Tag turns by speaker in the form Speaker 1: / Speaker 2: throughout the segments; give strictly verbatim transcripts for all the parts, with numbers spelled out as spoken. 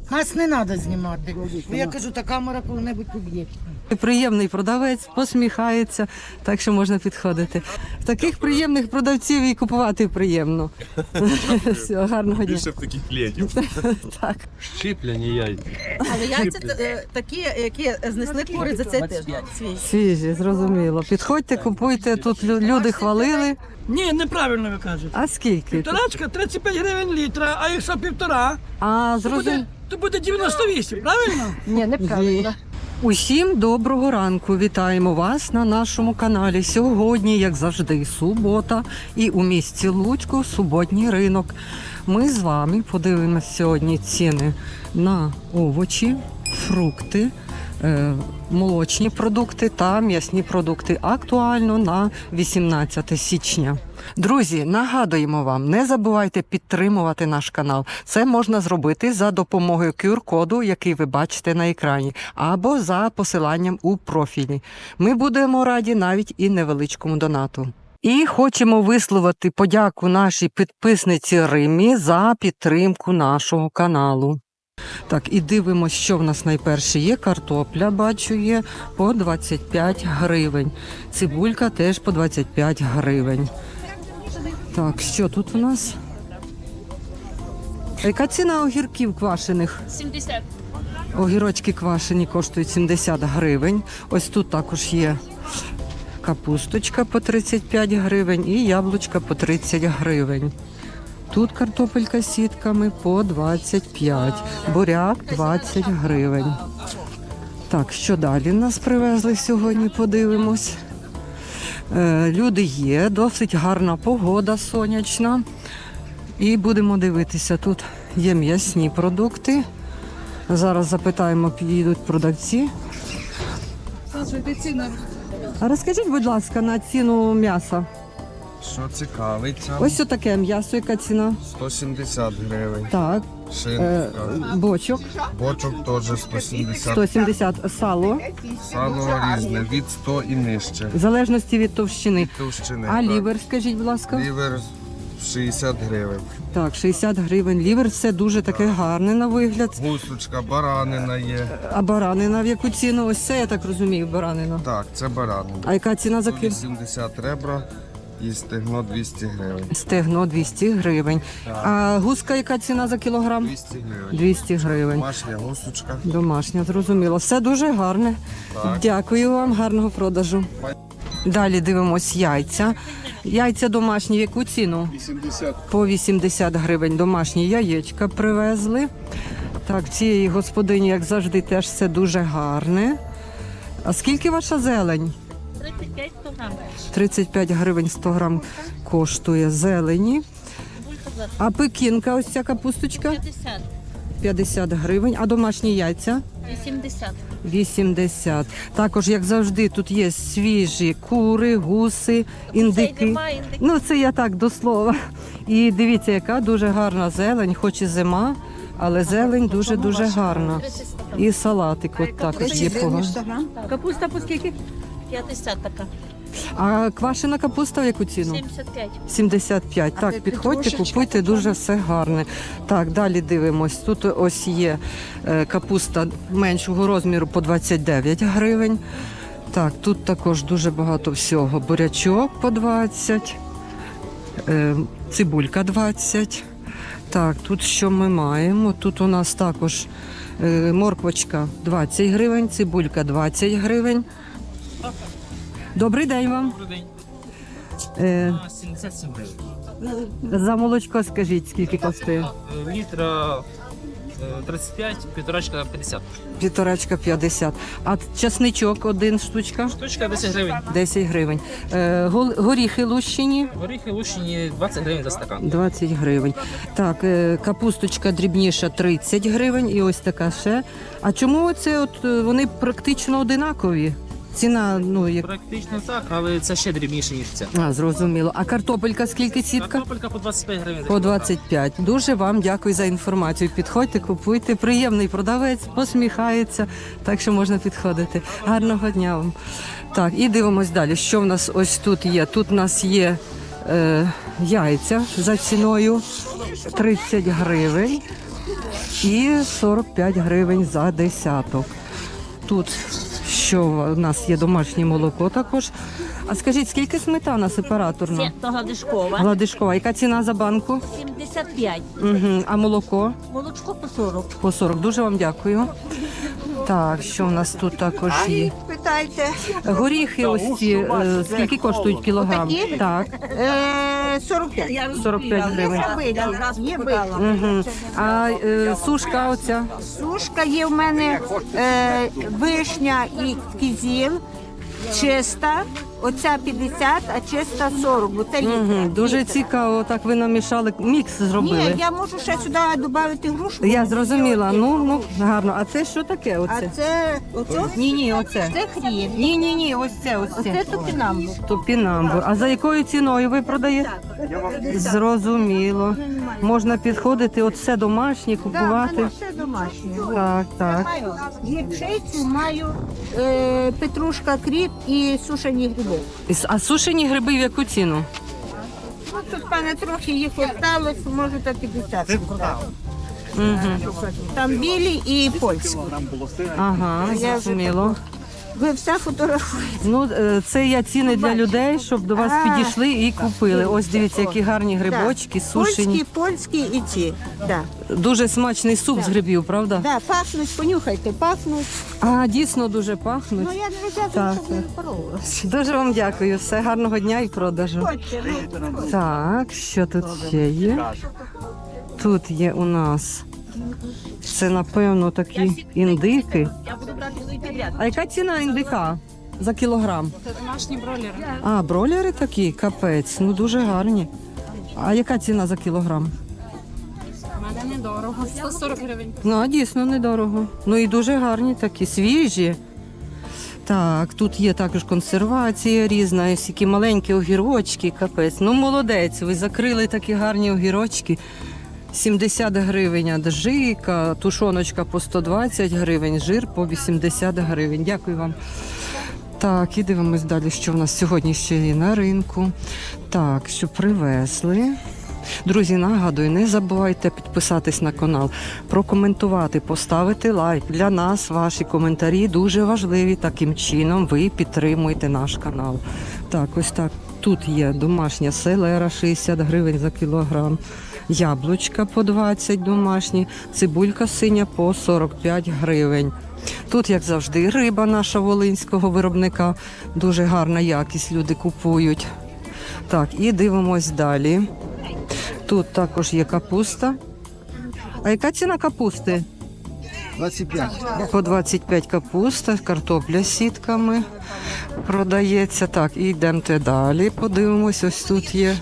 Speaker 1: Нас не треба знімати. Бо я кажу, та камера коли-небудь поб'є.
Speaker 2: Приємний продавець, посміхається, так що можна підходити. Таких приємних продавців і купувати приємно. Все, гарного дня.
Speaker 3: Більше б таких клієнтів.
Speaker 2: Так.
Speaker 4: Щиплені яйця.
Speaker 5: Але яйця е, такі, які знесли кури за цей тиждень. Свіжі.
Speaker 2: Свіжі, зрозуміло. Підходьте, купуйте. Тут лю- люди хвалили.
Speaker 6: Ні, неправильно ви кажете.
Speaker 2: А скільки?
Speaker 6: Півторачка тридцять п'ять гривень літра, а якщо півтора,
Speaker 2: А,
Speaker 6: то буде,
Speaker 2: зрозуміло.
Speaker 6: то буде дев'яносто вісім, правильно?
Speaker 5: Ні, неправильно.
Speaker 2: Усім доброго ранку. Вітаємо вас на нашому каналі. Сьогодні, як завжди, субота і у місті Луцьку суботній ринок. Ми з вами подивимося сьогодні ціни на овочі, фрукти, е, молочні продукти та м'ясні продукти. Актуально на вісімнадцяте січня. Друзі, нагадуємо вам, не забувайте підтримувати наш канал. Це можна зробити за допомогою ку ар-коду, який ви бачите на екрані, або за посиланням у профілі. Ми будемо раді навіть і невеличкому донату. І хочемо висловити подяку нашій підписниці Римі за підтримку нашого каналу. Так, і дивимося, що в нас найперше є. Картопля, бачу, є по двадцять п'ять гривень. Цибулька теж по двадцять п'ять гривень. Так, що тут у нас? Яка ціна огірків квашених?
Speaker 7: сімдесят.
Speaker 2: Огірочки квашені коштують сімдесят гривень. Ось тут також є капусточка по тридцять п'ять гривень і яблучка по тридцять гривень. Тут картопелька з сітками по двадцять п'ять, буряк двадцять гривень. Так, що далі нас привезли сьогодні, подивимось. Е, люди є, досить гарна погода сонячна. І будемо дивитися, тут є м'ясні продукти. Зараз запитаємо, підійдуть продавці. А розкажіть, будь ласка, на ціну м'яса.
Speaker 8: Що цікавиться?
Speaker 2: Ось таке м'ясо, яка ціна?
Speaker 8: сто сімдесят гривень.
Speaker 2: Так, е,
Speaker 8: Шинка.
Speaker 2: бочок
Speaker 8: Бочок теж сто сімдесят.
Speaker 2: сто сімдесят, сало,
Speaker 8: Сало різне, від сто і нижче.
Speaker 2: в залежності від товщини.
Speaker 8: Товщини.
Speaker 2: А
Speaker 8: так.
Speaker 2: лівер, скажіть, будь ласка?
Speaker 8: Лівер шістдесят гривень.
Speaker 2: Так, шістдесят гривень. Лівер, все дуже таке гарне на вигляд.
Speaker 8: Гусочка, баранина є.
Speaker 2: А баранина в яку ціну? Ось це, я так розумію, баранина.
Speaker 8: Так, це баранина.
Speaker 2: А яка ціна за
Speaker 8: сто
Speaker 2: кіло?
Speaker 8: вісімдесят ребра і стегно двісті гривень.
Speaker 2: Стегно двісті гривень. А гуска яка ціна за кілограм?
Speaker 8: двісті гривень.
Speaker 2: двісті гривень.
Speaker 8: Домашня гусочка.
Speaker 2: Домашня, зрозуміло. Все дуже гарне.
Speaker 8: Так.
Speaker 2: Дякую вам, гарного продажу. Далі дивимось яйця. Яйця домашні, в яку ціну?
Speaker 3: вісімдесят.
Speaker 2: По вісімдесят гривень домашні яєчка привезли. Так, цієї господині, як завжди, теж все дуже гарне. А скільки ваша зелень?
Speaker 7: тридцять п'ять грам.
Speaker 2: тридцять п'ять гривень сто грам коштує зелені. А пекінка, ось ця капусточка?
Speaker 7: п'ятдесят.
Speaker 2: п'ятдесят гривень. А домашні яйця?
Speaker 7: вісімдесят.
Speaker 2: вісімдесят. Також, як завжди, тут є свіжі кури, гуси, індики.
Speaker 7: немає індиків.
Speaker 2: Ну, це я так до слова. І дивіться, яка дуже гарна зелень, хоч і зима, але зелень дуже-дуже гарна. І салатик от також є погано.
Speaker 5: Капуста по скільки?
Speaker 7: п'ятдесят така.
Speaker 2: А квашена капуста в яку ціну?
Speaker 7: сімдесят п'ять.
Speaker 2: сімдесят п'ять. Так, підходьте, купуйте, дуже все гарне. Так, далі дивимось. Тут ось є е, капуста меншого розміру по двадцять дев'ять гривень. Так, тут також дуже багато всього. Бурячок по двадцять, е, цибулька двадцять. Так, тут що ми маємо? Тут у нас також е, морквочка двадцять гривень, цибулька двадцять гривень. Добрий день вам.
Speaker 4: Добрий день.
Speaker 2: Е,
Speaker 4: сімдесят сім гривень.
Speaker 2: за молочко скажіть, скільки коштує?
Speaker 4: Літра е, тридцять п'ять, півторачка п'ятдесят.
Speaker 2: Півторачка п'ятдесят. А часничок один штучка?
Speaker 4: Штучка десять гривень.
Speaker 2: десять гривень. Е, гол- горіхи лущені?
Speaker 4: Горіхи лущені двадцять гривень за стакан.
Speaker 2: двадцять гривень. Так, е, капусточка дрібніша тридцять гривень і ось така ще. А чому це от е, вони практично одинакові? Ціна, ну, як...
Speaker 4: Практично так, але це ще дрібніше, ніж ця.
Speaker 2: А, зрозуміло. А картопелька скільки сітка?
Speaker 4: Картопелька по двадцять п'ять гривень. за
Speaker 2: По
Speaker 4: кілограм.
Speaker 2: двадцять п'ять. Дуже вам дякую за інформацію. Підходьте, купуйте. Приємний продавець, посміхається, так що можна підходити. Гарного дня вам. Так, і дивимось далі. Що в нас ось тут є? Тут у нас є е, яйця за ціною тридцять гривень. і сорок п'ять гривень за десяток. Тут що у нас є домашнє молоко також. А скажіть, скільки сметана сепараторна?
Speaker 7: Це то Гладишкова.
Speaker 2: Гладишкова. Яка ціна за банку?
Speaker 7: сімдесят п'ять.
Speaker 2: Угу. А молоко?
Speaker 7: Молочко по сорок.
Speaker 2: По сорок. Дуже вам дякую. Так, що в нас тут також є?
Speaker 5: Питайте.
Speaker 2: Горіхи ось ці, е, скільки коштують кілограм?
Speaker 5: Отакі?
Speaker 2: Так,
Speaker 5: Е, сорок п'ять.
Speaker 2: сорок п'ять гривень.
Speaker 5: Є биті.
Speaker 2: Угу. А е, сушка оця?
Speaker 5: Сушка є в мене е, вишня і кизіл, чиста. Оця п'ятдесят, а чиста сорок. Бо це літра.
Speaker 2: Угу. Дуже цікаво, так ви намішали, мікс зробили.
Speaker 5: Ні, я можу ще сюди додати грушку.
Speaker 2: Я зрозуміла, ну, ну гарно. А це що таке?
Speaker 5: А
Speaker 2: Оце?
Speaker 5: це, оце,
Speaker 2: Ні, ні, оце.
Speaker 5: це хрін.
Speaker 2: Ні, ні, ні, ось це, ось
Speaker 5: Оце
Speaker 2: це.
Speaker 5: топінамбур.
Speaker 2: Топінамбур. А за якою ціною ви продаєте? Зрозуміло. Можна підходити, от все домашнє,
Speaker 5: Так, в
Speaker 2: купувати.
Speaker 5: мене все домашнє.
Speaker 2: Так, так.
Speaker 5: Маю гірчицю, маю е, петрушка, кріп і сушені гриби.
Speaker 2: А сушені гриби в яку ціну?
Speaker 5: Ну, тут в мене трохи їх осталось, може та п'ятдесят.
Speaker 2: Угу.
Speaker 5: Там білі і польські.
Speaker 2: Ага,
Speaker 5: Я вже
Speaker 2: зрозуміло.
Speaker 5: Ви все фотографуєте.
Speaker 2: Ну, е, це я ціни для людей, щоб до вас
Speaker 5: А.
Speaker 2: підійшли і купили. Ось дивіться, які гарні грибочки, сушені.
Speaker 5: Польські, польські і ці. Да.
Speaker 2: Дуже смачний суп з грибів, правда?
Speaker 5: Да, пахнуть, понюхайте, пахнуть.
Speaker 2: А, дійсно дуже пахнуть.
Speaker 5: Ну я не взяла,
Speaker 2: Так,
Speaker 5: щоб не впоролося.
Speaker 2: Дуже вам дякую. Все, гарного дня і продажу.
Speaker 5: Хочете, ну,
Speaker 2: Так, що тут ще є? Тут є у нас. Це, напевно, такі індики.
Speaker 7: Я буду брати свій підряд.
Speaker 2: А яка ціна індика за кілограм?
Speaker 7: Це домашні бролери.
Speaker 2: А, бройлери такі, капець, ну дуже гарні. А яка ціна за кілограм?
Speaker 7: У мене недорого. сто сорок гривень.
Speaker 2: Ну, а дійсно недорого. Ну і дуже гарні такі, свіжі. Так, тут є також консервація різна, ось які маленькі огірочки, капець. Ну, молодець, ви закрили такі гарні огірочки. сімдесят гривень аджика, тушоночка по сто двадцять гривень, жир по вісімдесят гривень. Дякую вам. Так, і дивимось далі, що в нас сьогодні ще є на ринку. Так, що привезли. Друзі, нагадую, не забувайте підписатись на канал, прокоментувати, поставити лайк. Для нас ваші коментарі дуже важливі. Таким чином ви підтримуєте наш канал. Так, ось так. Тут є домашня селера шістдесят гривень за кілограм. Яблучка по двадцять домашні, цибулька синя по сорок п'ять гривень. Тут, як завжди, риба наша волинського виробника. Дуже гарна якість, люди купують. Так, і дивимось далі. Тут також є капуста. А яка ціна капусти?
Speaker 8: двадцять п'ять.
Speaker 2: По двадцять п'ять капуста, картопля з сітками продається. Так, і йдемо далі, подивимось, ось тут є.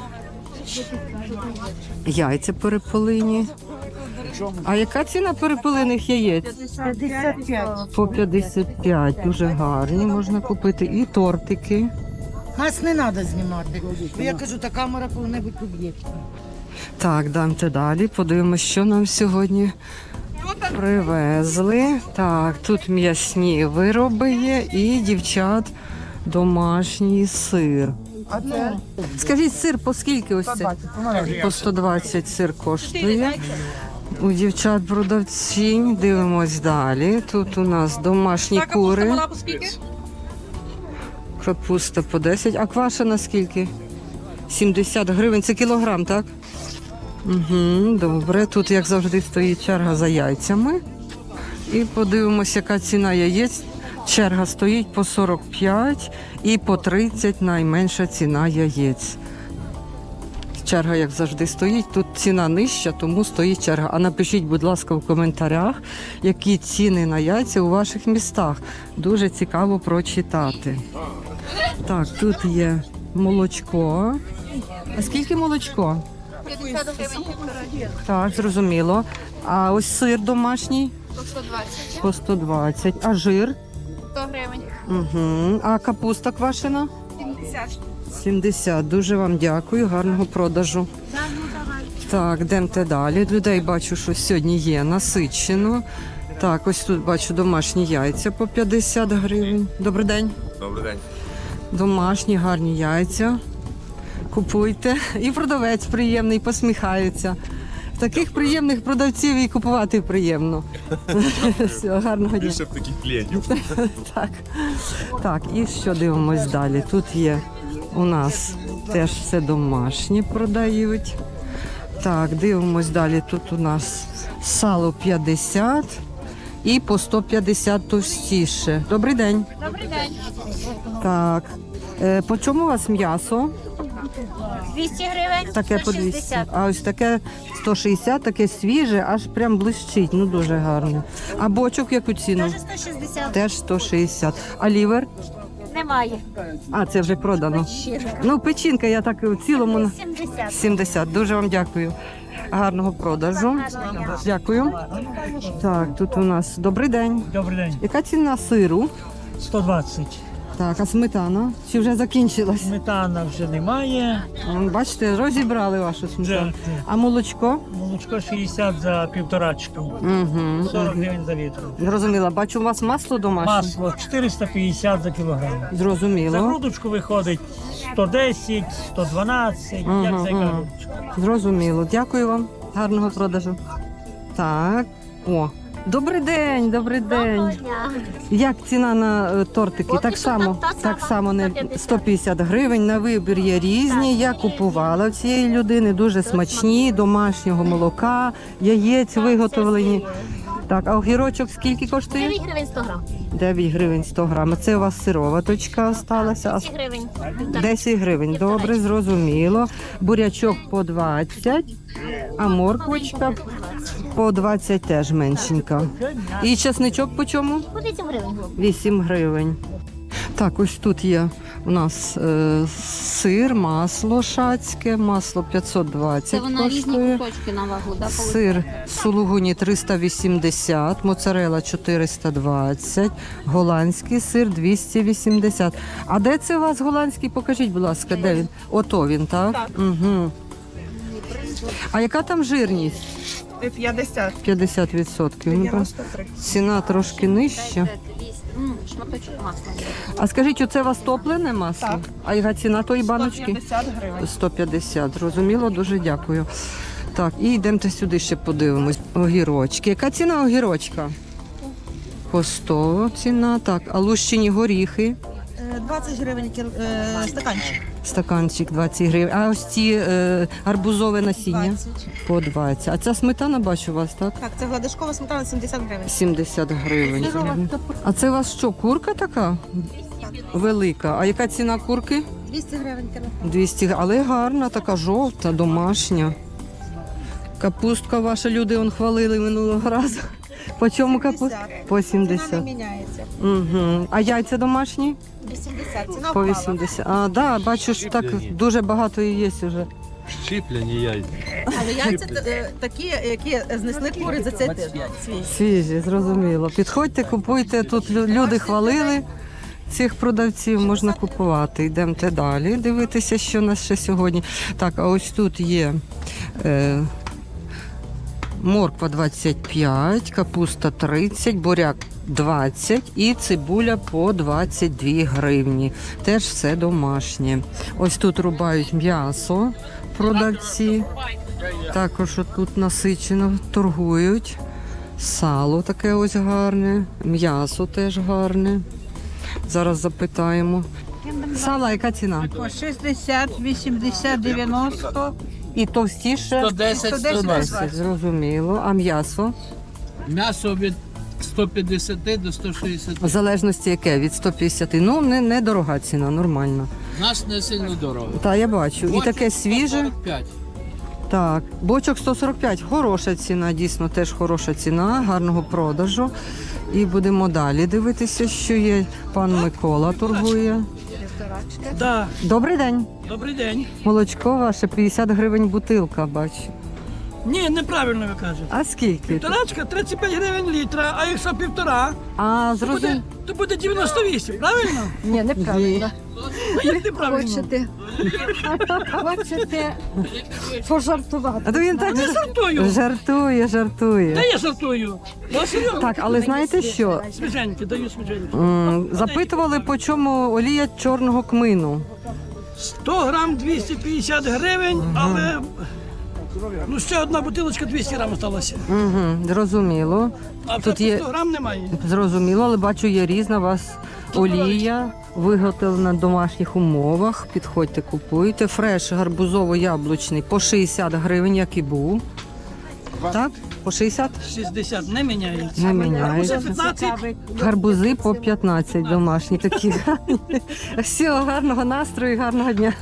Speaker 2: Яйця перепелині. А яка ціна перепелиних яєць?
Speaker 5: п'ятдесят п'ять.
Speaker 2: По п'ятдесят п'ять. Дуже гарні можна купити. І тортики.
Speaker 1: Нас не треба знімати. Бо я кажу, та камера коли-небудь поб'є.
Speaker 2: Так, дамте далі. Подивимось, що нам сьогодні привезли. Так, тут м'ясні вироби є і дівчат домашній сир. Скажіть, сир по скільки ось це? По сто двадцять сир коштує. У дівчат продавцінь. Дивимось далі. Тут у нас домашні кури. Капуста по десять. А квашена скільки? сімдесят гривень. Це кілограм, так? Угу, добре. Тут, як завжди, стоїть черга за яйцями. І подивимося, яка ціна яєць. Черга стоїть по сорок п'ять і по тридцять найменша ціна яєць. Черга, як завжди, стоїть. Тут ціна нижча, тому стоїть черга. А напишіть, будь ласка, в коментарях, які ціни на яйця у ваших містах. Дуже цікаво прочитати. Так, тут є молочко. А скільки молочко? Так, зрозуміло. А ось сир домашній?
Speaker 3: По сто двадцять.
Speaker 2: По сто двадцять. А жир?
Speaker 3: сто гривень.
Speaker 2: Угу. А капуста квашена?
Speaker 3: сімдесят.
Speaker 2: сімдесят. Дуже вам дякую, гарного продажу. Так, йдемте далі. Людей бачу, що сьогодні є насичено. Так, ось тут бачу домашні яйця по п'ятдесят гривень. Добрий день.
Speaker 8: Добрий день.
Speaker 2: Домашні гарні яйця. Купуйте. І продавець приємний, посміхається. Таких приємних продавців і купувати приємно. Все, гарного дня.
Speaker 8: Більше б таких клієнтів.
Speaker 2: Так. Так, і що дивимось далі? Тут є у нас теж все домашнє продають. Так, дивимось далі. Тут у нас сало п'ятдесят і по сто п'ятдесят товстіше. Добрий день.
Speaker 3: Добрий день.
Speaker 2: Так. Е, по чому у вас м'ясо?
Speaker 3: двісті гривень.
Speaker 2: Таке по
Speaker 3: сто
Speaker 2: двісті.
Speaker 3: шістдесят.
Speaker 2: А ось таке сто шістдесят, таке свіже, аж прям блищить. Ну дуже гарно. А бочок яку ціну?
Speaker 3: Теж сто шістдесят.
Speaker 2: Теж сто шістдесят. А лівер?
Speaker 3: Немає.
Speaker 2: А, це вже продано.
Speaker 3: Щирка.
Speaker 2: Ну, печінка, я так в цілому на
Speaker 3: сімдесят.
Speaker 2: сімдесят. Дуже вам дякую. Гарного продажу. Дякую. Так, тут у нас добрий день.
Speaker 6: Добрий день.
Speaker 2: Яка ціна сиру?
Speaker 6: сто двадцять.
Speaker 2: Так, а сметана? Чи вже закінчилась?
Speaker 6: Сметана вже немає.
Speaker 2: М, Бачите, розібрали вашу сметану.
Speaker 6: Вже
Speaker 2: А молочко?
Speaker 6: молочко шістдесят за півторачку.
Speaker 2: Угу.
Speaker 6: сорок гривень за літр.
Speaker 2: Зрозуміла. Бачу, у вас масло домашнє?
Speaker 6: Масло чотириста п'ятдесят за кілограм. За
Speaker 2: Зрозуміло.
Speaker 6: грудочку виходить сто десять, сто дванадцять,
Speaker 2: Ага,
Speaker 6: як за яка
Speaker 2: ага.
Speaker 6: грудочка.
Speaker 2: Зрозуміло. Дякую вам. Гарного продажу. Так. О. Добрий день, добрий день. Як ціна на е, тортики?
Speaker 3: Поки
Speaker 2: Так
Speaker 3: що
Speaker 2: само,
Speaker 3: та- та
Speaker 2: так
Speaker 3: сама,
Speaker 2: само не
Speaker 3: сто п'ятдесят.
Speaker 2: сто п'ятдесят гривень. На вибір є різні. Я купувала в цієї людини дуже смачні, домашнього молока, яєць виготовлені. Так, а огірочок скільки коштує?
Speaker 3: дев'ять гривень сто грам.
Speaker 2: дев'ять гривень сто грам. А це у вас сироваточка осталася. А
Speaker 3: десять гривень.
Speaker 2: десять гривень. Добре, зрозуміло. Бурячок по двадцять, а морквочка по двадцять теж меншенька. І чесничок по чому?
Speaker 3: По вісім гривень.
Speaker 2: вісім гривень. Так, ось тут є у нас е, сир, масло шацьке, масло п'ятсот двадцять коштує.
Speaker 7: кусочки на вагу, да?
Speaker 2: Сир сулугуні триста вісімдесят, моцарела чотириста двадцять, голландський сир двісті вісімдесят. А де це у вас голландський? Покажіть, будь ласка, де він? Ото він, так? Так. Угу. А яка там жирність?
Speaker 1: п'ятдесят.
Speaker 2: п'ятдесят відсотків. Ну, ціна трошки нижча.
Speaker 7: Шматочок масла.
Speaker 2: А скажіть, оце у вас топлене масло? Так. А яка ціна тої баночки?
Speaker 1: сто п'ятдесят гривень.
Speaker 2: сто п'ятдесят. Зрозуміло, дуже дякую. Так, і йдемте сюди ще подивимось. Огірочки. Яка ціна огірочка? По сто ціна. Так, а лущені горіхи?
Speaker 1: двадцять гривень кіл... е, стаканчик.
Speaker 2: Стаканчик двадцять гривень. А ось ці е, арбузове насіння?
Speaker 1: двадцять.
Speaker 2: По двадцять. А ця сметана, бачу у вас, так?
Speaker 1: Так, це гладишкова сметана сімдесят гривень.
Speaker 2: сімдесят гривень. А це у вас що, курка така? Велика. А яка ціна курки?
Speaker 1: двісті гривень кіло.
Speaker 2: двісті, але гарна, така жовта, домашня. Капустка ваша, люди он хвалили минулого разу. По чому капуста? По
Speaker 1: Ціна не
Speaker 2: сімдесят.
Speaker 1: міняється.
Speaker 2: Угу. А яйця домашні?
Speaker 1: вісімдесят. Ціна
Speaker 2: По
Speaker 1: впала.
Speaker 2: вісімдесят. А, да, бачу, що так дуже багато і є вже.
Speaker 4: Щіплені яйця.
Speaker 1: Але яйця е, такі, які знесли кури за цей тиждень. Свіжі.
Speaker 2: Свіжі, зрозуміло. Підходьте, купуйте. Тут лю- люди хвалили. Цих продавців можна купувати. Йдемте далі, дивитися, що у нас ще сьогодні. Так, а ось тут є е, морква двадцять п'ять, капуста тридцять, буряк двадцять і цибуля по двадцять дві гривні. Теж все домашнє. Ось тут рубають м'ясо продавці. Також тут насичено торгують. Сало таке ось гарне, м'ясо теж гарне. Зараз запитаємо. Сала, яка ціна?
Speaker 5: По шістдесят, вісімдесят, дев'яносто.
Speaker 2: І товстіше?
Speaker 4: сто десять, сто двадцять.
Speaker 2: Зрозуміло. А м'ясо?
Speaker 4: М'ясо від сто п'ятдесят до сто шістдесят.
Speaker 2: В залежності яке? Від сто п'ятдесят. Ну, не, не дорога ціна, нормально.
Speaker 4: У нас не сильно дорого.
Speaker 2: Так, я бачу. І таке свіже.
Speaker 4: сто сорок п'ять.
Speaker 2: Так, бочок сто сорок п'ять. Хороша ціна, дійсно теж хороша ціна, гарного продажу. І будемо далі дивитися, що є. Пан Микола торгує.
Speaker 6: Да.
Speaker 2: Добрий день.
Speaker 6: Добрий день.
Speaker 2: Молочко ваше п'ятдесят гривень бутилка, бачу.
Speaker 6: Ні, неправильно ви кажете.
Speaker 2: А скільки?
Speaker 6: Півторачка тридцять п'ять гривень літра, а якщо півтора,
Speaker 2: А,
Speaker 6: то буде,
Speaker 2: зрозуміло.
Speaker 6: то буде дев'яносто вісім, правильно?
Speaker 2: Ні, неправильно.
Speaker 6: Ну як неправильно?
Speaker 5: Хочете, хочете пожартувати.
Speaker 2: А то він так
Speaker 6: Не жартую.
Speaker 2: жартує, жартує.
Speaker 6: Та я жартую. Ну, серйозно.
Speaker 2: Так, але знаєте що?
Speaker 6: Свіженькі, даю свіженькі.
Speaker 2: М, Запитували, по чому олія чорного кмину.
Speaker 6: сто грам двісті п'ятдесят гривень, але
Speaker 9: Ну, ще одна бутилочка двісті грам осталася.
Speaker 2: Угу, зрозуміло.
Speaker 9: А
Speaker 2: Тут
Speaker 9: вже
Speaker 2: є-
Speaker 9: по сто грам немає.
Speaker 2: Зрозуміло, але бачу, є різна у вас олія, виготовлена в домашніх умовах. Підходьте, купуйте. Фреш гарбузово-яблучний по шістдесят гривень, як і був. Так? По шістдесят?
Speaker 9: шістдесят не міняється.
Speaker 2: Не міняється.
Speaker 9: п'ятнадцять.
Speaker 2: Гарбузи по п'ятнадцять домашні такі. Всього гарного настрою, гарного дня.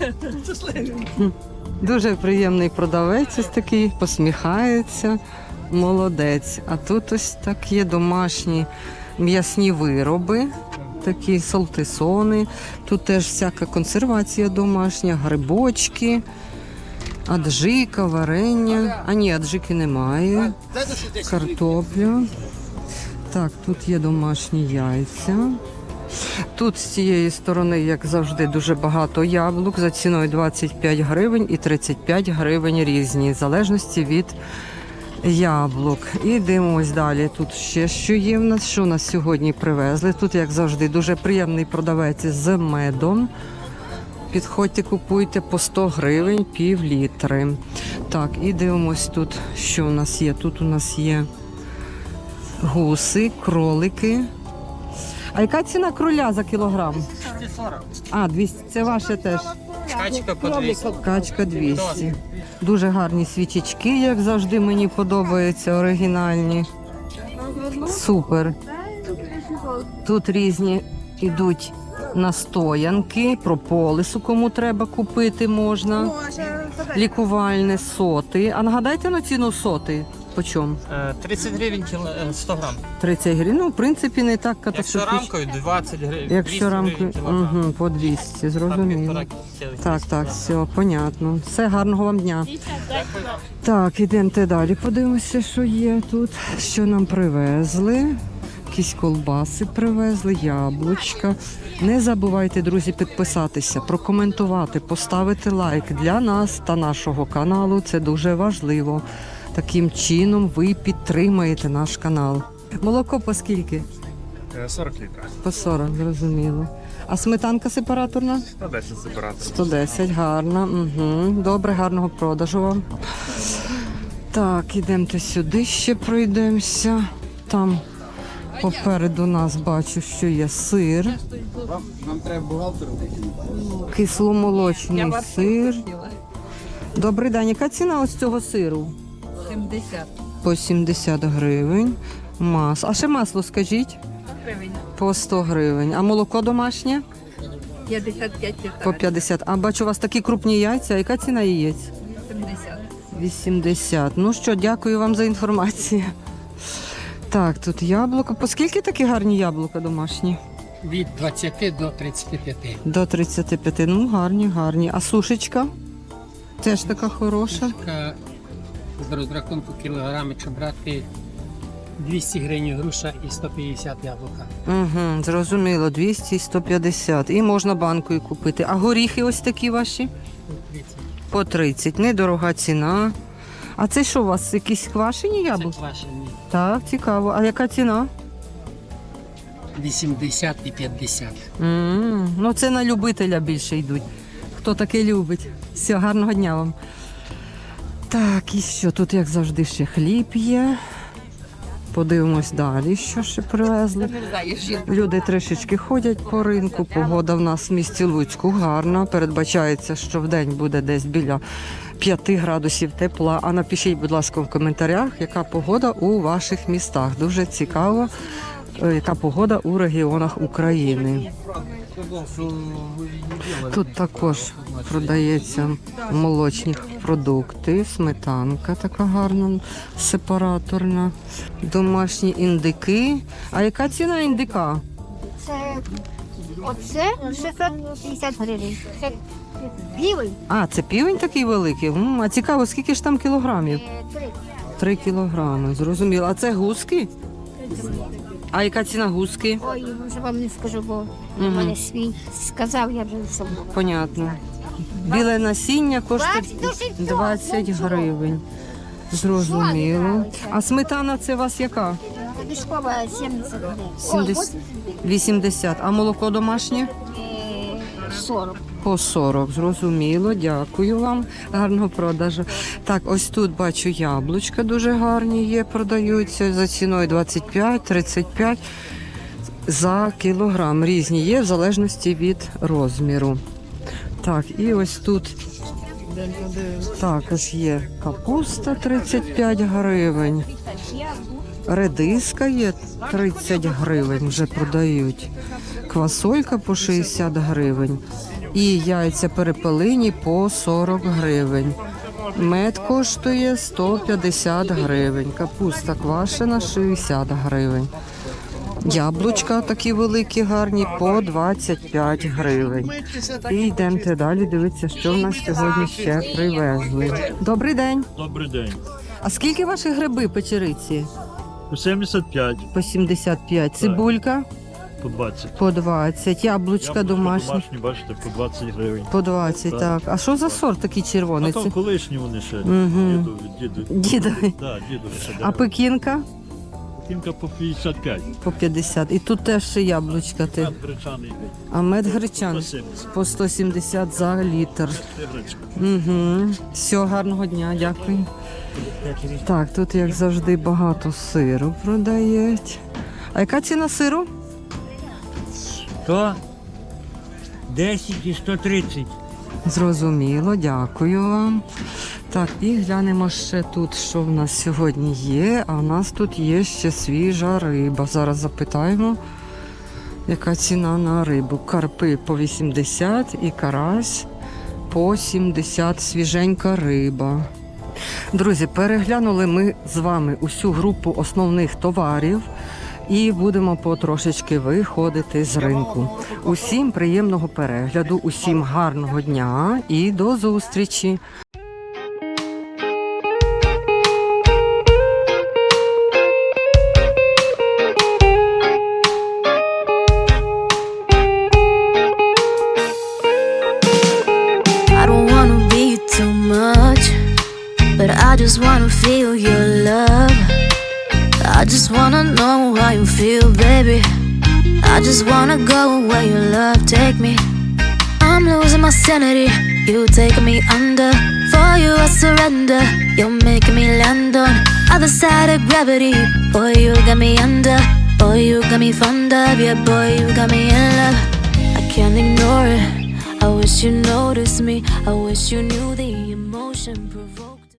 Speaker 2: Дуже приємний продавець ось такий, посміхається, молодець. А тут ось так є домашні м'ясні вироби, такі салтисони. Тут теж всяка консервація домашня, грибочки, аджика, варення. А ні, аджики немає. Картопля. Так, тут є домашні яйця. Тут з цієї сторони, як завжди, дуже багато яблук за ціною двадцять п'ять гривень і тридцять п'ять гривень різні, в залежності від яблук. І дивимось далі. Тут ще що є в нас, що нас сьогодні привезли. Тут, як завжди, дуже приємний продавець з медом. Підходьте, купуйте по сто гривень, пів літри. Так, і дивимось тут, що у нас є. Тут у нас є гуси, кролики. А яка ціна кроля за кілограм?
Speaker 4: двісті сорок.
Speaker 2: А, двісті. Це ваше теж.
Speaker 4: Качка по двісті.
Speaker 2: Качка двісті. Дуже гарні свічечки, як завжди, мені подобаються, оригінальні. Супер. Тут різні йдуть настоянки, прополису, кому треба купити можна. Лікувальне соти. А нагадайте на ціну соти. По чому?
Speaker 4: Е, тридцять гривень кіло, е, сто грам.
Speaker 2: тридцять гривень. Ну, в принципі, не так
Speaker 4: Якщо
Speaker 2: катастрофічно.
Speaker 4: рамкою двадцять гривень.
Speaker 2: Якщо рамкою,
Speaker 4: кілограм.
Speaker 2: угу, по двісті,
Speaker 4: Там
Speaker 2: зрозуміло.
Speaker 4: півтора цілих
Speaker 2: Так,
Speaker 4: двісті
Speaker 2: так,
Speaker 4: грам.
Speaker 2: все, понятно. Все, гарного вам дня. Так, ідемте далі. Подивимося, що є тут. Що нам привезли. Якісь колбаси привезли, яблучка. Не забувайте, друзі, підписатися, прокоментувати, поставити лайк для нас та нашого каналу. Це дуже важливо. Таким чином ви підтримаєте наш канал. Молоко по скільки?
Speaker 8: сорок літрів.
Speaker 2: По сорок, зрозуміло. А сметанка сепараторна?
Speaker 8: сто десять сепараторів.
Speaker 2: сто десять, гарно. Угу. Добре, гарного продажу вам. Так, ідемте сюди, ще пройдемося. Там попереду нас бачу, що є сир.
Speaker 8: Нам треба бухгалтеру.
Speaker 2: Кисломолочний сир. Добрий день, яка ціна ось цього сиру?
Speaker 7: сімдесят
Speaker 2: По сімдесят гривень. Мас. А ще масло скажіть?
Speaker 7: гривень.
Speaker 2: По сто гривень. А молоко домашнє?
Speaker 7: п'ятдесят п'ять
Speaker 2: По п'ятдесят. А бачу, у вас такі крупні яйця. Яка ціна яєць?
Speaker 7: сімдесят.
Speaker 2: вісімдесят. Ну що, дякую вам за інформацію. Так, тут яблука. По скільки такі гарні яблука домашні?
Speaker 10: Від двадцяти до тридцяти п'яти.
Speaker 2: До тридцять п'ять. Ну, гарні, гарні. А сушечка? Теж така хороша.
Speaker 10: Така з розрахунку кілограми, якщо брати двісті гривень груша і сто п'ятдесят яблука.
Speaker 2: Угу, зрозуміло, двісті і сто п'ятдесят. І можна банкою купити. А горіхи ось такі ваші?
Speaker 10: тридцять.
Speaker 2: По тридцять. Недорога ціна. А це що у вас? Якісь квашені
Speaker 10: Це
Speaker 2: яблука?
Speaker 10: квашені.
Speaker 2: Так, цікаво. А яка ціна?
Speaker 10: вісімдесят і п'ятдесят.
Speaker 2: м Ну, це на любителя більше йдуть. Хто таке любить. Все, гарного дня вам. Так, і що? Тут, як завжди, ще хліб є. Подивимось далі, що ще привезли. Люди трішечки ходять по ринку. Погода в нас в місті Луцьку гарна. Передбачається, що вдень буде десь біля п'яти градусів тепла. А напишіть, будь ласка, в коментарях, яка погода у ваших містах. Дуже цікаво, е, яка погода у регіонах України. Тут також продається молочні продукти, сметанка така гарна, сепараторна, домашні індики. А яка ціна індика?
Speaker 3: Це оце шістсот п'ятдесят гривень. Це білий.
Speaker 2: А, це півень такий великий. М, а цікаво, скільки ж там кілограмів?
Speaker 3: е, три.
Speaker 2: Три кілограми, зрозуміло. А це гуски? А яка ціна гуски?
Speaker 3: Ой, вже вам не скажу, бо у
Speaker 2: Мгм.
Speaker 3: мене свій сказав, я вже забула.
Speaker 2: Понятно. Біле насіння коштує
Speaker 3: двадцять,
Speaker 2: двадцять гривень. Зрозуміло. А сметана це у вас яка?
Speaker 3: Пішкова сімдесят гривень. Ой,
Speaker 2: сімдесят. вісімдесят. А молоко домашнє?
Speaker 3: е, сорок.
Speaker 2: По сорок, зрозуміло, дякую вам. Гарного продажу. Так, ось тут бачу яблучка дуже гарні є, продаються за ціною двадцять п'ять - тридцять п'ять за кілограм. Різні є в залежності від розміру. Так, і ось тут також є капуста тридцять п'ять гривень. Редиска є тридцять гривень, вже продають. Квасолька по шістдесят гривень. І яйця перепелині по сорок гривень. Мед коштує сто п'ятдесят гривень. Капуста квашена шістдесят гривень. Яблучка такі великі, гарні, по двадцять п'ять гривень. І йдемте далі, дивіться, що в нас сьогодні ще привезли. Добрий день.
Speaker 6: Добрий день.
Speaker 2: А скільки ваші гриби печериці?
Speaker 6: По сімдесят п'ять,
Speaker 2: По сімдесят п'ять. Цибулька?
Speaker 6: по двадцять.
Speaker 2: По двадцять. Яблучка домашні?
Speaker 6: домашні, бачите, по двадцять гривень.
Speaker 2: По двадцять, так.
Speaker 6: Так.
Speaker 2: А що за сорт такий червоний?
Speaker 6: А то
Speaker 2: Це
Speaker 6: колишні вони ще.
Speaker 2: Мгм.
Speaker 6: Діду, діду.
Speaker 2: дідовий.
Speaker 6: Да, діду ще
Speaker 2: А пекінка?
Speaker 6: Пекінка по п'ятдесят п'ять.
Speaker 2: По п'ятдесят. І тут теж ще яблучка. Ти.
Speaker 6: Мед гречаний
Speaker 2: А мед
Speaker 6: по
Speaker 2: гречан
Speaker 6: сімдесят.
Speaker 2: по сто сімдесят за літр.
Speaker 6: Це гречка.
Speaker 2: Угу. Всього гарного дня, дякую. Так, тут, як завжди, багато сиру продають. А яка ціна сиру?
Speaker 9: сто десять і сто тридцять.
Speaker 2: Зрозуміло, дякую вам. Так, і глянемо ще тут, що в нас сьогодні є. А в нас тут є ще свіжа риба. Зараз запитаємо, яка ціна на рибу. Карпи по вісімдесят і карась по сімдесят. Свіженька риба. Друзі, переглянули ми з вами усю групу основних товарів і будемо потрошечки виходити з ринку. Усім приємного перегляду, усім гарного дня і до зустрічі!
Speaker 11: I don't wanna be too much, but I just wanna feel your love. I just wanna know how you feel, baby. I just wanna go where your love take me. I'm losing my sanity, you taking me under. For you I surrender, you're making me land on other side of gravity. Boy, you got me under, boy, you got me fond of. Yeah, boy, you got me in love. I can't ignore it, I wish you noticed me, I wish you knew the emotion.